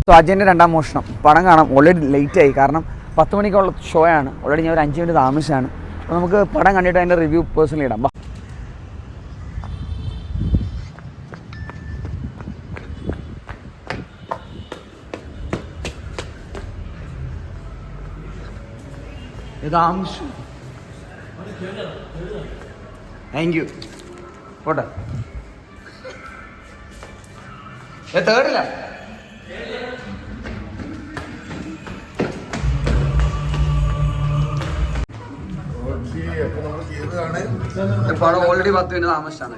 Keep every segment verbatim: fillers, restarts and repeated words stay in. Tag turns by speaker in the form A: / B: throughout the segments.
A: അജയൻ്റെ രണ്ടാം മോഷണം പടം കാണാം. ഓൾറെഡി ലേറ്റായി, കാരണം പത്ത് മണിക്കുള്ള ഷോ ആണ്. ഓൾറെഡി ഞാൻ ഒരു അഞ്ച് മിനിറ്റ് താമസിച്ചാണ്. അപ്പോൾ നമുക്ക് പടം കണ്ടിട്ട് അതിൻ്റെ റിവ്യൂ പേഴ്സണലി ഇടാം. Thank you. പോട്ടെ. ഏ തേർഡില്ല. പടം ഓൾറെഡി പത്ത് മിനിറ്റ് താമസിച്ചാണ്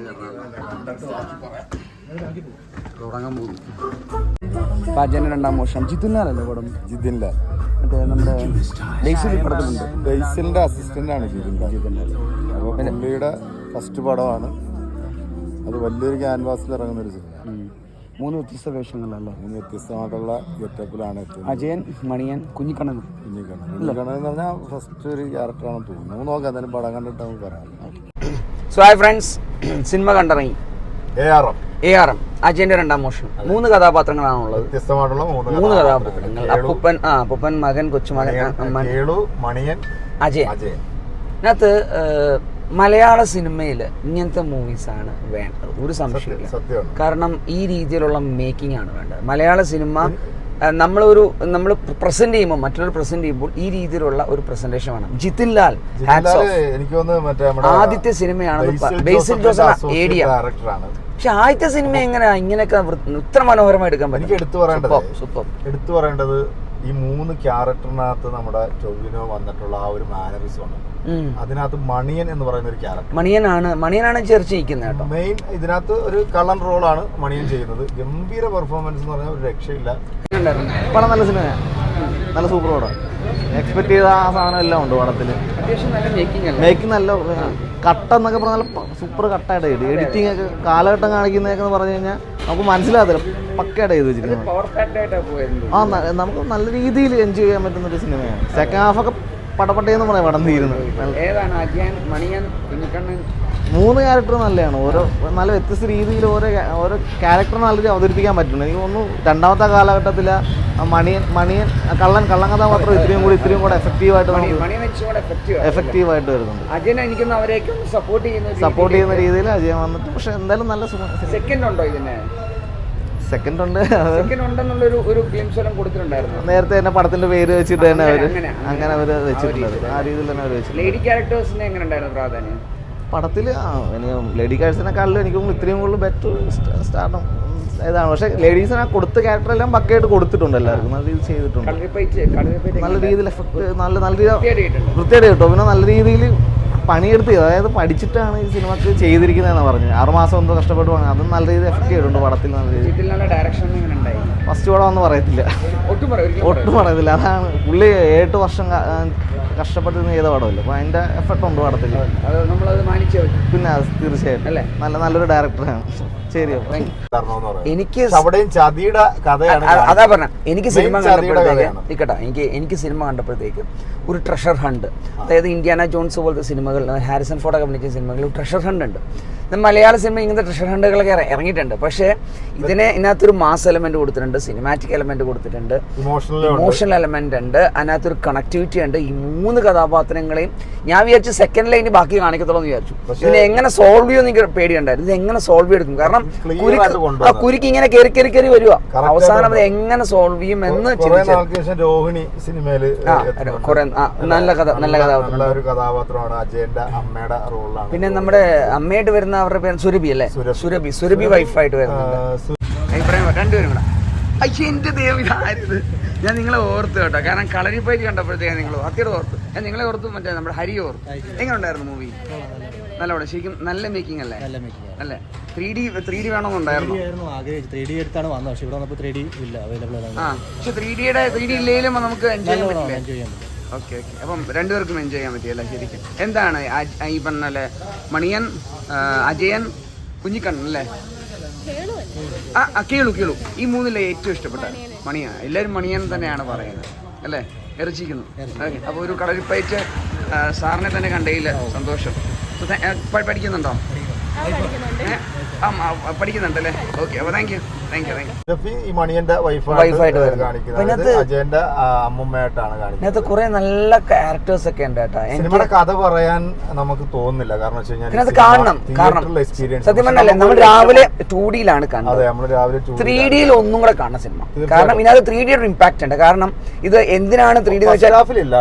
A: തുടങ്ങാൻ പോകും. അജയൻ്റെ രണ്ടാം മോഷണം. ജിതിൻലാലല്ലേ പടം?
B: ജിതിൻലാൽ
A: മറ്റേ നമ്മുടെ ബേസിൽ പടത്തിലുണ്ട്.
B: ബേസിലിന്റെ അസിസ്റ്റന്റ് ആണ് ജിതിൻലാൽ. അപ്പോൾ പുള്ളിയുടെ ഫസ്റ്റ് പടമാണ് അത്. വലിയൊരു ക്യാൻവാസിൽ ഇറങ്ങുന്ന ഒരു സിനിമ.
A: മൂന്ന് വ്യത്യസ്ത വേഷങ്ങളല്ലേ?
B: മൂന്ന് വ്യത്യസ്തമായിട്ടുള്ള ഗെറ്റപ്പിലാണ് എത്തുന്നത്.
A: അജയൻ, മണിയൻ, കുഞ്ഞിക്കണ്ണൻ.
B: കുഞ്ഞിക്കണ്ണൻ കുഞ്ഞിക്കണ്ണൻ എന്ന് പറഞ്ഞാൽ ഫസ്റ്റ് ഒരു ക്യാരക്ടറാണെന്ന് തോന്നുന്നു. നമുക്ക് നോക്കാം, എന്തായാലും പടം കണ്ടിട്ട് നമുക്ക് പറയാം.
A: സോ ഹായ് ഫ്രണ്ട്സ്, സിനിമ കണ്ടിറങ്ങി.
B: A R M
A: A R M അജയന്റെ രണ്ടാം മോഷണം. മൂന്ന് കഥാപാത്രങ്ങളാണുള്ളത്,
B: വ്യത്യസ്തമായിട്ടുള്ള
A: മൂന്ന് കഥാപാത്രങ്ങൾ. അപ്പൂപ്പൻ, ആ അപ്പൂപ്പൻ, മകൻ, കൊച്ചുമകൻ,
B: മണിയൻ,
A: അജയൻ. അതിനകത്ത് മലയാള സിനിമയിൽ ഇങ്ങനത്തെ മൂവീസാണ് വേണ്ടത്, ഒരു സംശയമില്ല. കാരണം ഈ രീതിയിലുള്ള മേക്കിംഗ് ആണ് വേണ്ടത്. മലയാള സിനിമ നമ്മളൊരു നമ്മൾ പ്രസന്റ് ചെയ്യുമ്പോൾ, മറ്റൊരു പ്രസന്റ് ചെയ്യുമ്പോൾ ഈ രീതിയിലുള്ള ഒരു പ്രസന്റേഷൻ വേണം. ജിതിൻലാൽ
B: എനിക്ക് തോന്നുന്നു
A: ആദ്യത്തെ സിനിമയാണ് ബേസിൽ ജോസഫ് ഏടിയ. പക്ഷെ ആദ്യത്തെ സിനിമ എങ്ങനെയാ ഇങ്ങനെയൊക്കെ ഇത്ര മനോഹരമായി എടുക്കാൻ പറ്റും?
B: എനിക്ക് എടുത്തു പറയേണ്ടത് എടുത്തു പറയേണ്ടത് ഈ മൂന്ന് ക്യാരക്ടറിനകത്ത് നമ്മുടെ ടൊവിനോ വന്നിട്ടുള്ള ആ ഒരു മാനറിസമാണ്. അതിനകത്ത് മണിയൻ എന്ന് പറയുന്ന ഒരു ക്യാരക്ടർ,
A: മണിയനാണ് മണിയനാണ് ചേർച്ച ചെയ്യുന്നത് കേട്ടോ.
B: മെയിൻ ഇതിനകത്ത് ഒരു കള്ളൻ റോളാണ് മണിയൻ ചെയ്യുന്നത്. ഗംഭീര പെർഫോമൻസ് എന്ന് പറഞ്ഞാൽ ഒരു രക്ഷയില്ല.
C: പടം നല്ല സിനിമയാണ്, നല്ല സൂപ്പർ പടം. എക്സ്പെക്ട് ചെയ്ത ആ സാധനം എല്ലാം ഉണ്ട് പടത്തില്. മേക്കിംഗ് നല്ല കട്ട എന്നൊക്കെ പറഞ്ഞാൽ സൂപ്പർ കട്ടായിട്ട് ചെയ്തു. എഡിറ്റിംഗ് ഒക്കെ കാലഘട്ടം കാണിക്കുന്നതൊക്കെ പറഞ്ഞു കഴിഞ്ഞാൽ നമുക്ക് മനസ്സിലാകത്തില്ല, പക്കയായിട്ട് ചെയ്ത് വെച്ചിരിക്കുന്നത്. ആ നമുക്ക് നല്ല രീതിയിൽ എൻജോയ് ചെയ്യാൻ പറ്റുന്ന ഒരു സിനിമയാണ്. സെക്കൻഡ് ഹാഫ് ഒക്കെ പടപട്ടയെന്ന് പറയാം പടം തീരുന്നത്. മൂന്ന് ക്യാരക്ടർ നല്ലതാണ്. ഓരോ നല്ല വ്യത്യസ്ത രീതിയിൽ ഓരോ ഓരോ ക്യാരക്ടർ നല്ല രീതിയിൽ അവതരിപ്പിക്കാൻ പറ്റുന്നു. എനിക്ക് തോന്നുന്നു രണ്ടാമത്തെ കാലഘട്ടത്തിൽ മണിയൻ മണിയൻ കള്ളൻ കള്ളൻ കഥാപാത്രം ഇത്രയും കൂടി ഇത്രയും കൂടെ എഫക്റ്റീവായിട്ട് എഫക്റ്റീവായിട്ട് വരുന്നുണ്ട്. സപ്പോർട്ട് ചെയ്യുന്ന രീതിയിൽ അജയൻ വന്നിട്ട്. പക്ഷെ എന്തായാലും നല്ല
A: സെക്കൻഡ് ഉണ്ടോ ഇതിന്?
C: സെക്കൻഡ് ഉണ്ട്.
A: നേരത്തെ
C: തന്നെ പടത്തിന്റെ പേര് വെച്ചിട്ട് തന്നെ അവര് അങ്ങനെ അവര് വെച്ചിട്ടുണ്ട്. ആ രീതിയിൽ തന്നെ അവര് വെച്ചിട്ടുണ്ട്. പടത്തിൽ ലേഡി ക്യാരക്ടേഴ്സിനെക്കാളും എനിക്ക് ഇത്രയും കൂടുതൽ ബെറ്റർ സ്റ്റാർട്ടും ഇതാണ്. പക്ഷെ ലേഡീസിനെ കൊടുത്ത ക്യാരക്ടറെല്ലാം പക്കയായിട്ട് കൊടുത്തിട്ടുണ്ട്, എല്ലാവർക്കും നല്ല രീതിയിൽ ചെയ്തിട്ടുണ്ട്. നല്ല രീതിയിൽ എഫക്ട് നല്ല നല്ല രീതിയിൽ വൃത്തിയായിട്ട് കിട്ടും. പിന്നെ നല്ല രീതിയിൽ പണിയെടുത്ത്, അതായത് പഠിച്ചിട്ടാണ് ഈ സിനിമക്ക് ചെയ്തിരിക്കുന്നതെന്ന് പറഞ്ഞു. ആറുമാസം എന്തോ കഷ്ടപ്പെട്ട് പോകണം. അതും നല്ല രീതിയിൽ എഫക്ട് ചെയ്തിട്ടുണ്ട് പടത്തിൽ. നല്ല രീതിയിൽ ഫസ്റ്റ് പടം ഒന്നും പറയത്തില്ല, ഒട്ടും പറയത്തില്ല. അതാണ് പുള്ളി ഏഴെട്ട് വർഷം കഷ്ടപ്പെട്ട് ചെയ്ത പടമല്ലേ, അപ്പോൾ അതിൻ്റെ എഫക്റ്റ് ഉണ്ട് പടത്തിൽ. പിന്നെ തീർച്ചയായിട്ടും നല്ല നല്ലൊരു ഡയറക്ടറാണ്. ശരി,
A: എനിക്ക്
B: കഥയാണ്.
A: അതാ പറഞ്ഞ എനിക്ക് സിനിമ കണ്ടപ്പോഴത്തേക്ക് നിൽക്കട്ടെ എനിക്ക് എനിക്ക് സിനിമ കണ്ടപ്പോഴത്തേക്ക് ഒരു ട്രഷർ ഹണ്ട്, അതായത് ഇന്ത്യാന ജോൺസ് പോലത്തെ സിനിമകൾ, ഹാരിസൺ ഫോർഡ് അഭിനയിച്ച സിനിമകളിൽ ട്രഷർ ഹണ്ട് ഉണ്ട്. മലയാള സിനിമ ഇങ്ങനത്തെ ട്രഷർ ഹണ്ടുകളൊക്കെ ഇറങ്ങിയിട്ടുണ്ട്. പക്ഷേ ഇതിനെ ഇതിനകത്തൊരു മാസ് എലമെന്റ് കൊടുത്തിട്ടുണ്ട്, സിനിമാറ്റിക് എലമെന്റ് കൊടുത്തിട്ടുണ്ട്, ഇമോഷണൽ എലമെന്റ് ഉണ്ട്, അതിനകത്തൊരു കണക്ടിവിറ്റി ഉണ്ട്. ഈ മൂന്ന് കഥാപാത്രങ്ങളെയും ഞാൻ വിചാരിച്ചു സെക്കൻഡ് ലൈന് ബാക്കി കാണിക്കത്തുള്ളൂ എന്ന് വിചാരിച്ചു. ഇതിനെ എങ്ങനെ സോൾവ് ചെയ്യുമെന്ന് എനിക്ക് പേടിയുണ്ടായിരുന്നു. ഇത് എങ്ങനെ സോൾവ് ചെയ്തെടുക്കും? കാരണം ആ കുരുക്ക് ഇങ്ങനെ കയറി കയറി കയറി വരുക, അവസാനം അത് എങ്ങനെ സോൾവ് ചെയ്യും എന്ന്
B: രോഹിണി സിനിമയില്
A: നല്ല കഥ നല്ല
B: കഥാപാത്രമാണ്. അജയന്റെ അമ്മയുടെ റോളാണ്.
A: പിന്നെ നമ്മുടെ അമ്മയായിട്ട് വരുന്ന അവരുടെ പേര് സുരഭി അല്ലേ? സുരഭി സുരഭി വൈഫായിട്ട് വരുന്നുണ്ട്. രണ്ടുപേരും കൂടെ. അയ്യോ എന്റെ ദൈവം, ഇതായത് ഞാൻ നിങ്ങളെ ഓർത്ത് കേട്ടോ. കാരണം കളരിപ്പയറ്റ് കണ്ടപ്പോഴത്തേക്ക് നിങ്ങൾ അത്തിയുടെ ഓർത്ത്, ഞാൻ നിങ്ങളെ ഓർത്ത് മറ്റേ നമ്മുടെ ഹരി ഓർത്ത്. എങ്ങനെ ഉണ്ടായിരുന്നു മൂവി? നല്ലോണം, ശരിക്കും നല്ല മേക്കിംഗ് അല്ലേ? അല്ലേ? ത്രീ ഡി ത്രീ ഡി വേണമെന്നുണ്ടായിരുന്നു. ആ പക്ഷെ ത്രീ ഡിയുടെ ത്രീ ഡി ഇല്ലെങ്കിലും നമുക്ക് എൻജോയ് ചെയ്യാൻ പറ്റില്ല. ഓക്കെ ഓക്കെ അപ്പം രണ്ടുപേർക്കും എൻജോയ് ചെയ്യാൻ പറ്റിയല്ലേ? ശരിക്കും എന്താണ് ഈ പറഞ്ഞല്ലേ മണിയൻ, അജയൻ, കുഞ്ഞിക്കണ്ണൻ അല്ലേ? ആ കേളു കേളു ഈ മൂന്നിലെ ഏറ്റവും ഇഷ്ടപ്പെട്ട മണിയൻ. എല്ലാവരും മണിയൻ തന്നെയാണ് പറയുന്നത് അല്ലേ? ഇറച്ചിക്കുന്നു. അപ്പോൾ ഒരു കളരിപ്പയറ്റ് സാറിനെ തന്നെ കണ്ടതിൽ സന്തോഷം. പഠിക്കുന്നുണ്ടോ? പഠിക്കുന്നുണ്ടല്ലേ? ഓക്കെ, അപ്പോൾ thank you thank you thank you.
B: Shefi ഈ മണിയന്റെ
A: വൈഫായിട്ട്
B: വൈഫായിട്ട്
A: വരുന്നത്.
B: കാണിക്കുന്നത് അജയന്റെ അമ്മൂമ്മയായിട്ടാണ് കാണിക്കുന്നത്.
A: ഇതിനകത്ത് കുറെ നല്ല ക്യാരക്ടേഴ്സ് ഒക്കെ ഉണ്ട് കേട്ടോ.
B: സിനിമയുടെ കഥ പറയാൻ നമുക്ക് തോന്നുന്നില്ല, കാരണം വെച്ച് കഴിഞ്ഞാൽ
A: ഇതിനകത്ത് കാണണം. കാരണം
B: എക്സ്പീരിയൻസ്
A: സത്യം പറഞ്ഞാൽ നമ്മൾ രാവിലെ ടൂ ഡിയിലാണ് കാണുന്നത്.
B: അതെ, നമ്മൾ രാവിലെ
A: ത്രീ ഡിയിൽ ഒന്നും കൂടെ കാണണം സിനിമ. കാരണം ഇതിനകത്ത് ത്രീ ഡിയുടെ ഇമ്പാക്ട് ഉണ്ട്. കാരണം ഇത് എന്തിനാണ് ത്രീ ഡി എന്ന് വെച്ചാൽ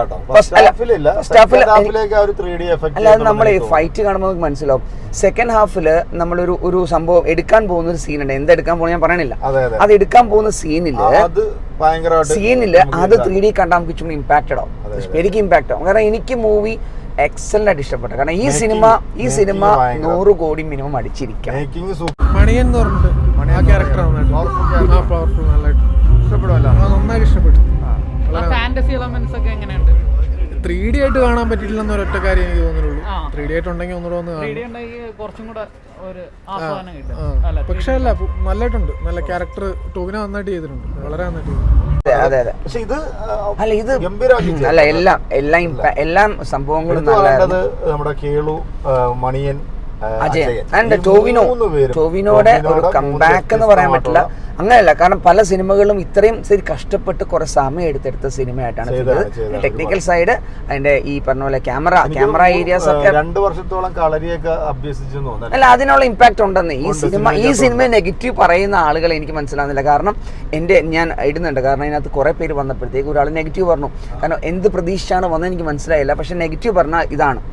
A: അല്ലാതെ നമ്മൾ ഫൈറ്റ് കാണുമ്പോൾ നമുക്ക് മനസ്സിലാവും. സെക്കൻഡ് ഹാഫില് നമ്മളൊരു ഒരു സംഭവം എടുക്കാൻ പോകുന്ന ഒരു സീനുണ്ട്. എന്തെടുക്കാൻ പോകുന്ന ഞാൻ പറയണില്ല. അത് എടുക്കാൻ പോകുന്ന സീനില് സീനില് അത് ത്രീ ഡി കണ്ടാൽ നമുക്ക് ചുമ്മാ ഇമ്പാക്റ്റഡ് ആവും. എനിക്ക് ഇമ്പാക്ട് ആവും. കാരണം എനിക്ക് മൂവി എക്സലന്റ് ആയിട്ട് ഇഷ്ടപ്പെട്ടു. കാരണം ഈ സിനിമ ഈ സിനിമ നൂറ് കോടി മിനിമം അടിച്ചിരിക്കാം.
D: മണിയൻ എന്ന് പറഞ്ഞിട്ട് ആ ക്യാരക്ടർ പവർഫുൾ നന്നായിട്ട് നന്നായിട്ട് ഇഷ്ടപ്പെട്ടു.
E: ഫാന്റസി എലമെന്റ്സ് ഒക്കെ എങ്ങനെയുണ്ട്?
D: ത്രീ ഡി ആയിട്ട് കാണാൻ പറ്റിയില്ലെന്ന് ഒരൊറ്റ കാര്യം എനിക്ക് തോന്നുന്നുള്ളൂ. ത്രീ ഡി ആയിട്ടുണ്ടെങ്കിൽ ഒന്നുകൂടെ ഒന്ന്
E: കുറച്ചും കൂടെ ഒരു ആസ്വാദനം കിട്ടും.
D: പക്ഷെ അല്ല, നല്ലതായിട്ടുണ്ട്. നല്ല ക്യാരക്ടർ ടോവിനോ നന്നായിട്ട് ചെയ്തിട്ടുണ്ട്, വളരെ നന്നായിട്ട് ചെയ്തിട്ടുണ്ട്.
A: അതെ അതെ.
B: പക്ഷെ ഇത്
A: അല്ല ഇത് അല്ല എല്ലാം എല്ലാം എല്ലാം സംഭവങ്ങളും
B: നല്ലത്. നമ്മുടെ കേളു, മണിയൻ,
A: അജയൻ ആൻഡ് ടോവിനോ ടോവിനോയുടെ ഒരു കംബാക്ക് എന്ന് പറയാൻ പറ്റില്ല. അങ്ങനെയല്ല, കാരണം പല സിനിമകളും ഇത്രയും ശരി കഷ്ടപ്പെട്ട് കുറെ സമയം എടുത്തെടുത്ത സിനിമയായിട്ടാണ് ടെക്നിക്കൽ സൈഡ്, അതിന്റെ ഈ പറഞ്ഞ പോലെ ക്യാമറ ക്യാമറ ഏരിയാസ് ഒക്കെ
B: രണ്ടു വർഷത്തോളം കളരിയൊക്കെ അഭ്യസിച്ചു തോന്നുന്നു.
A: അല്ല, അതിനുള്ള ഇമ്പാക്ട് ഉണ്ടെന്ന്. ഈ സിനിമ ഈ സിനിമ നെഗറ്റീവ് പറയുന്ന ആളുകൾ എനിക്ക് മനസ്സിലാകുന്നില്ല. കാരണം എൻ്റെ ഞാൻ ഇടുന്നുണ്ട്, കാരണം ഇതിനകത്ത് കുറെ പേര് വന്നപ്പോഴത്തേക്ക് ഒരാൾ നെഗറ്റീവ് പറഞ്ഞു. കാരണം എന്ത് പ്രതീക്ഷിച്ചാണ് വന്നത് എനിക്ക് മനസ്സിലായില്ല. പക്ഷെ നെഗറ്റീവ് പറഞ്ഞാൽ ഇതാണ്.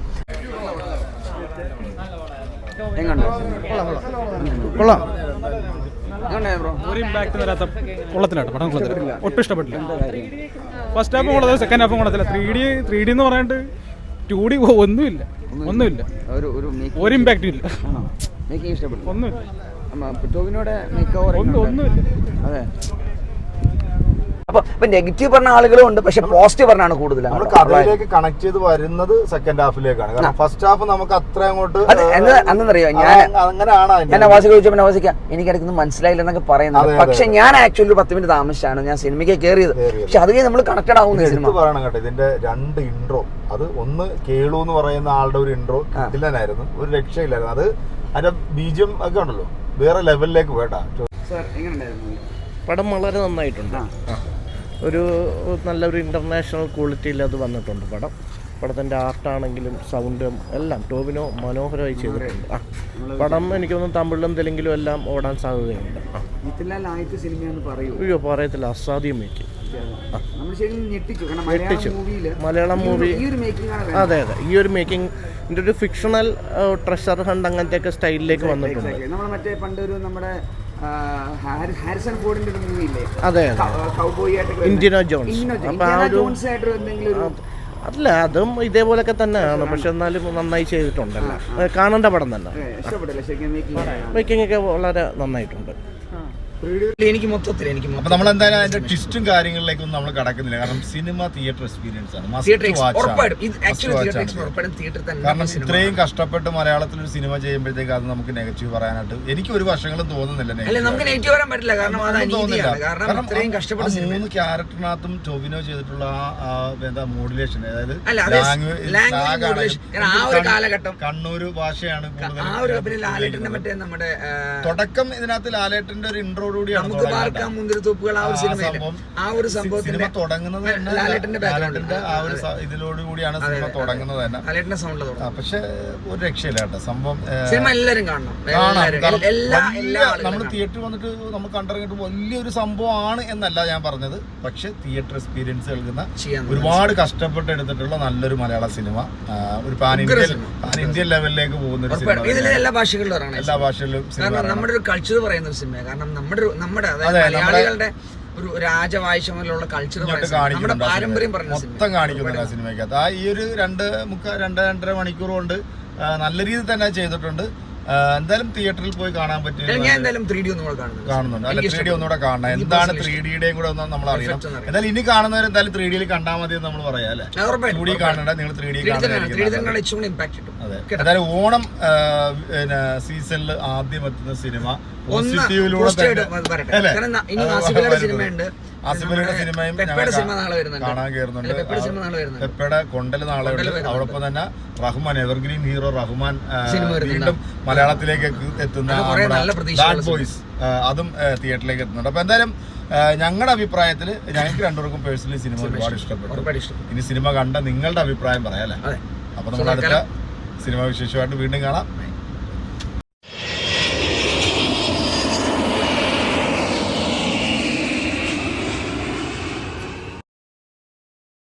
D: കൊള്ളാം.
F: ഒരു ഇമ്പാക്ട് വരാത്ത കൊള്ളത്തിലാട്ടോ പടം, കൊള്ളത്തില്ല, ഒട്ടും ഇഷ്ടപ്പെട്ടില്ല. ഫസ്റ്റ് ഹാഫും കൊള്ളത്തില്ല, സെക്കൻഡ് ഹാഫും കൊള്ളത്തില്ല. ത്രീ ഡി ത്രീ ഡി എന്ന് പറയാണ്ട് ടു ഡി ഒന്നുമില്ല ഒന്നുമില്ല ഒരു ഇമ്പാക്റ്റും ഇല്ല. ഒന്നുമില്ല ഒന്നുമില്ല.
A: അതെ. അപ്പൊ ഇപ്പൊ നെഗറ്റീവ് പറഞ്ഞ ആളുകളും ഉണ്ട്, പക്ഷെ പോസിറ്റീവ് പറഞ്ഞാണ് കൂടുതൽ.
B: നമ്മൾ കഥയിലേക്ക് കണക്ട് ചെയ്ത് വരുന്നത് സെക്കൻഡ് ഹാഫിലേക്കാണ്. കാരണം ഫസ്റ്റ് ഹാഫ് നമുക്ക് അത്ര അങ്ങോട്ട്
A: അന്നറിയോ ഞാൻ
B: അങ്ങനെയാണ്.
A: ഞാൻ നവാസിക്ക് ചോദിച്ചപ്പോൾ നവാസിക്ക എനിക്കിടയ്ക്കൊന്നും മനസ്സിലായില്ല എന്നൊക്കെ പറയുന്നത്. പക്ഷെ ഞാൻ ആക്ച്വലി പത്ത് മിനിറ്റ് താമസിച്ചാണ് ഞാൻ സിനിമയ്ക്ക് കയറിയത്. പക്ഷെ അത് നമ്മൾ കണക്റ്റഡ് ആവുന്ന സിനിമ
B: പറയണം കേട്ടോ. ഇതിന്റെ രണ്ട് ഇൻട്രോ, അത് ഒന്ന് കേളു എന്ന് പറയുന്ന ആളുടെ ഒരു ഇൻട്രോ ഇതിലായിരുന്നു, ഒരു രക്ഷയില്ലായിരുന്നു. അത് അതിന്റെ ബീജം ഒക്കെ ഉണ്ടല്ലോ, വേറെ ലെവലിലേക്ക് പോയിട്ടാ.
G: പടം വളരെ നന്നായിട്ടുണ്ട്. ഒരു നല്ലൊരു ഇൻ്റർനാഷണൽ ക്വാളിറ്റിയിൽ അത് വന്നിട്ടുണ്ട് പടം. പടത്തിൻ്റെ ആർട്ടാണെങ്കിലും സൗണ്ടും എല്ലാം ടോവിനോ മനോഹരമായി ചെയ്തിട്ടുണ്ട്. ആ പടം എനിക്ക് തോന്നുന്നു തമിഴിലും തെലുങ്കിലും എല്ലാം ഓടാൻ സാധ്യതയുണ്ട്. അയ്യോ പറയത്തില്ല, അസാധ്യം മേക്കിംഗ്. ഞെട്ടിച്ചു. മലയാളം മൂവി അതെ അതെ. ഈ ഒരു മേക്കിംഗ് ഇതിൻ്റെ ഒരു ഫിക്ഷണൽ ട്രഷർ ഹണ്ട് അങ്ങനത്തെയൊക്കെ സ്റ്റൈലിലേക്ക് വന്നിട്ടുണ്ട്.
A: ഹാരിസൺ ഫോർഡിന്റെ ഒരു മൂവി ഇല്ലേ?
G: അതെ അതെ, ഇന്ത്യനോ ജോൺസ്. അപ്പൊ ആ ഒരു അല്ല, അതും ഇതേപോലൊക്കെ തന്നെയാണ്, പക്ഷെ എന്നാലും നന്നായി ചെയ്തിട്ടുണ്ടല്ലോ. കാണേണ്ട പടം തന്നെ. മേക്കിംഗ് ഒക്കെ വളരെ നന്നായിട്ടുണ്ട്.
A: എനിക്ക് മൊത്തത്തിൽ എനിക്ക്
B: അപ്പൊ നമ്മൾ എന്തായാലും അതിന്റെ ട്വിസ്റ്റും കാര്യങ്ങളിലേക്കൊന്നും നമ്മൾ കടക്കുന്നില്ല. കാരണം സിനിമ തിയേറ്റർ എക്സ്പീരിയൻസ് ആണ്. കാരണം ഇത്രയും കഷ്ടപ്പെട്ട് മലയാളത്തിൽ ഒരു സിനിമ ചെയ്യുമ്പോഴത്തേക്ക് അത് നമുക്ക് നെഗറ്റീവ് പറയാനായിട്ട് എനിക്ക് ഒരു വർഷങ്ങളും തോന്നുന്നില്ല. മൂന്ന് ക്യാരക്ടറിനകത്തും ടോവിനോ ചെയ്തിട്ടുള്ള ആ എന്താ മോഡുലേഷൻ, അതായത് കണ്ണൂര് ഭാഷയാണ് തുടക്കം. ഇതിനകത്ത് ലാലേട്ടന്റെ ഒരു ഇൻട്രോ സിനിമ തുടങ്ങുന്നത് ഇതിലോടുകൂടിയാണ് സിനിമ തുടങ്ങുന്നത് തന്നെ. പക്ഷെ ഒരു രക്ഷയില്ല കേട്ടോ സംഭവം. നമ്മൾ തിയേറ്ററിൽ വന്നിട്ട് നമ്മൾ കണ്ടിറങ്ങിയിട്ട് വലിയൊരു സംഭവമാണ് എന്നല്ല ഞാൻ പറഞ്ഞത്. പക്ഷെ തിയേറ്റർ എക്സ്പീരിയൻസ് നൽകുന്ന ഒരുപാട് കഷ്ടപ്പെട്ട് എടുത്തിട്ടുള്ള നല്ലൊരു മലയാള സിനിമ, ഒരു പാൻ ഇന്ത്യൻ പാൻ ഇന്ത്യൻ ലെവലിലേക്ക് പോകുന്ന ഒരു സിനിമ.
A: എല്ലാ ഭാഷകളിലും
B: എല്ലാ ഭാഷകളിലും
A: നമ്മുടെ ഒരു കൾച്ചർ പറയുന്ന ഒരു സിനിമ. കാരണം നമ്മുടെ നമ്മുടെ അതായത് മലയാളികളുടെ ഒരു രാജവാഴ്ചമുള്ള കൾച്ചർ നമ്മുടെ പാരമ്പര്യം
B: മൊത്തം കാണിക്കുന്നുണ്ട് ആ സിനിമയ്ക്കകത്ത്. ആ ഈ ഒരു രണ്ട് മുക്കാൽ രണ്ട് രണ്ടര മണിക്കൂർ കൊണ്ട് നല്ല രീതിയിൽ തന്നെ ചെയ്തിട്ടുണ്ട്. എന്തായാലും തിയേറ്ററിൽ പോയി കാണാൻ പറ്റില്ല.
A: കാണുന്നുണ്ട്.
B: അല്ല, ത്രീ ഡി ഒന്നുകൂടെ കാണണം. എന്താണ് ത്രീ ഡിയുടെയും കൂടെ ഒന്ന് നമ്മൾ അറിയണം. എന്തായാലും ഇനി കാണുന്നവർ എന്തായാലും ത്രീ ഡിയിൽ കണ്ടാൽ മതി എന്ന് നമ്മൾ പറയാം അല്ലെ. ടു ഡി കാണണ്ട, നിങ്ങൾ ത്രീ ഡി കാണുന്നതായിരിക്കും. അതെ, എന്തായാലും ഓണം പിന്നെ സീസണിൽ ആദ്യം എത്തുന്ന സിനിമ പോസിറ്റീവിലൂടെ
A: പോസിറ്റീവായിട്ട് വരട്ടെ.
B: അല്ലേ?
A: കാരണം ന- ഇനി ആസിഫലിയുടെ സിനിമയുണ്ട്,
B: ആസിഫലിയുടെ സിനിമയും
A: പെപ്പയുടെ സിനിമ നാളെ വരുന്നുണ്ട്.
B: കാണാൻ കയറുന്നുണ്ട്.
A: പെപ്പയുടെ സിനിമ നാളെ വരുന്നുണ്ട്.
B: പെപ്പയുടെ കൊണ്ടൽ നാളെ ഉണ്ട്. അതോടൊപ്പം തന്നെ റഹ്മാൻ, എവർഗ്രീൻ ഹീറോ റഹ്മാൻ ആ,
A: സിനിമ വരുന്നുണ്ട്.
B: വീണ്ടും മലയാളത്തിലേക്ക് എത്തി- എത്തുന്ന
A: അത് കുറേ നല്ല പ്രതീക്ഷയുള്ള
B: ബാഡ് ബോയ്സ് അതും തിയേറ്ററിലേക്ക് എത്തുന്നുണ്ട്. അപ്പൊ എന്തായാലും ഞങ്ങളുടെ അഭിപ്രായത്തിൽ ഞങ്ങൾക്ക് രണ്ടുപേർക്കും പേഴ്സണലി സിനിമ ഒരുപാട് ഇഷ്ടപ്പെട്ടു.
A: ഒരുപാട് ഇഷ്ടം.
B: ഇനി സിനിമ കണ്ട നിങ്ങളുടെ അഭിപ്രായം പറയാം അല്ലേ?
A: അതെ.
B: അപ്പൊ നമ്മൾ അടുത്ത സിനിമ വിശേഷമായിട്ട് വീണ്ടും കാണാം.